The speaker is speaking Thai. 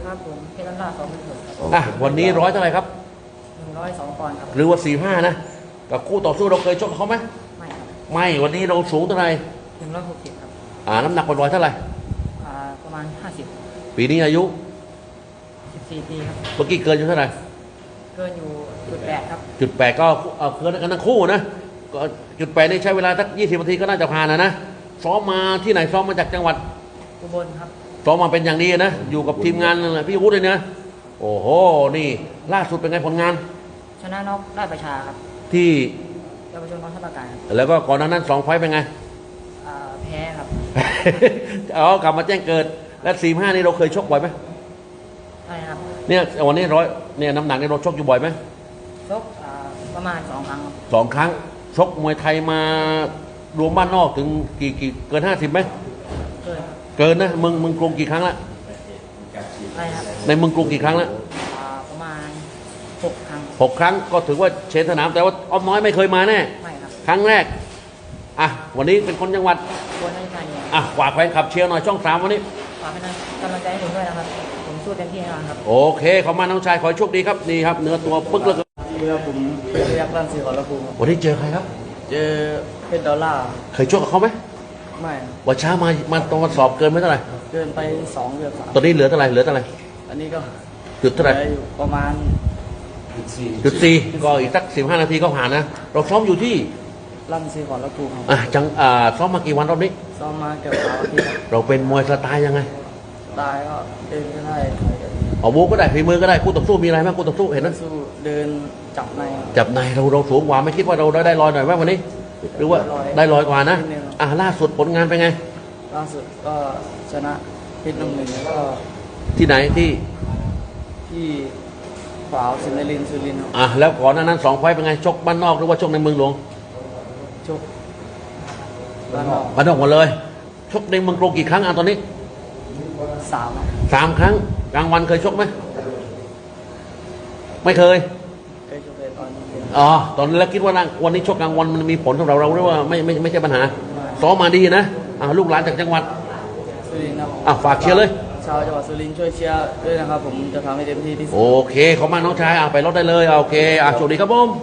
ครับผมเพชรล่าสองเป็นหกครับวันนี้ร้อยเท่าไหร่ครับ 102 ปอนด์ครับหรือว่า45นะกับคู่ต่อสู้เราเคยชกกับเขาไหมไม่ครับไม่วันนี้เราสูงเท่าไหร่ 160ครับน้ำหนักปล่อยๆเท่าไหร่ประมาณ50 ปีนี้อายุ 14 ปีครับเมื่อกี้เกินอยู่เท่าไหร่เกินอยู่8ครับ 8ก็เกินกันทั้งคู่นะก็8นี่ใช้เวลาสัก20 นาทีก็น่าจะผ่านนะซ้อมมาที่ไหนซ้อมมาจากจังหวัดอุบลครับซ้อมมาเป็นอย่างดีนะอยู่กับทีมงานพี่วุฒิเลยนะโอ้โหนี่ล่าสุดเป็นไงผลงานชนะน็อกได้ประชาครับที่เยาวชนกองทัพอากาศครับแล้วก็ก่อนหน้านั้น2 ไฟต์เป็นไงแพ้ครับกลับมาแจ้งเกิดและ45นี่เราเคยชกบ่อยไหมใช่ครับเนี่ยวันนี้เนี่ยน้ำหนักนี่เราชกอยู่บ่อยไหมชกประมาณ2 ครั้ง 2 ครั้งชกมวยไทยมารวมบ้านนอกถึงกี่เกิน50ไหมเกินนะมึงกรุงกี่ครั้งละใช่ครับในมึงกรุงกี่ครั้งละประมาณ6 ครั้ง 6 ครั้งก็ถือว่าเชนสนามแต่ว่าอ้อมน้อยไม่เคยมาแน่ไม่ครับครั้งแรกวันนี้เป็นคนจังหวัดอุบลราชธานีฝากแฟนคลับเชียร์หน่อยช่อง3วันนี้ฝากเป็นกำลังใจให้ผมด้วยนะครับผมสู้เต็มที่แน่นอนครับโอเคขอบคุณน้องชายขอให้โชคดีครับนี่ครับเนื้อตัวปึ๊กเลยผมเรียกร่างสีขอระภูมิวันนี้เจอใครครับเจอเพชรดอลลาร์เคยชกกับเขาไหมไม่วันเช้ามาตรงสอบเกินไหมเท่าไหร่เกินไป2 เดือน3 ตอนนี้เหลือเท่าไหร่อันนี้ก็จุดเท่าไหร่ประมาณ 4ก็อีกสัก15 นาทีก็ผ่านนะเราซ้อมอยู่ที่ร่างสีขอระภูมิซ้อมมากี่วันรอบนี้ซ้อมมาเกือบ3 อาทิตย์เราเป็นมวยสไตล์ยังไงตายก็เดินก็ได้บูก็ได้ฝีมือก็ได้คู่ต่อสู้มีอะไรบ้างคู่ต่อสู้เห็นนะสู้เดินจับในเราสูงกว่าไม่คิดว่าเราได้ลอยหน่อยไหมวันนี้หรือว่าได้ลอยกว่านะล่าสุดผลงานเป็นไงล่าสุดก็ชนะเพชรน้ำหนึ่งแล้วก็ที่ไหนที่ขวาวสุรินทร์แล้วก่อนหน้านั้น2 ไฟต์เป็นไงชกบ้านนอกหรือว่าชกในเมืองหลวงชกบ้านนอกหมดเลยชกในเมืองกรุงกี่ครั้งตอนนี้3 ครั้งกลางวันเคยชกไหมไม่เคยชกเลยตอนนี้แล้วคิดว่าวันนี้ชกกลางวันมันมีผลสำหรับเราหรือว่าไม่ใช่ปัญหาซ้อมมาดีนะลูกหลานจากจังหวัดสุรินทร์ครับฝากเชียร์เลยชาวจังหวัดสุรินทร์ช่วยเชียร์ด้วยนะครับผมจะทำให้เต็มที่ที่สุดโอเคขอบคุณมากน้องชายไปรถได้เลยโอเคโชคดีครับผม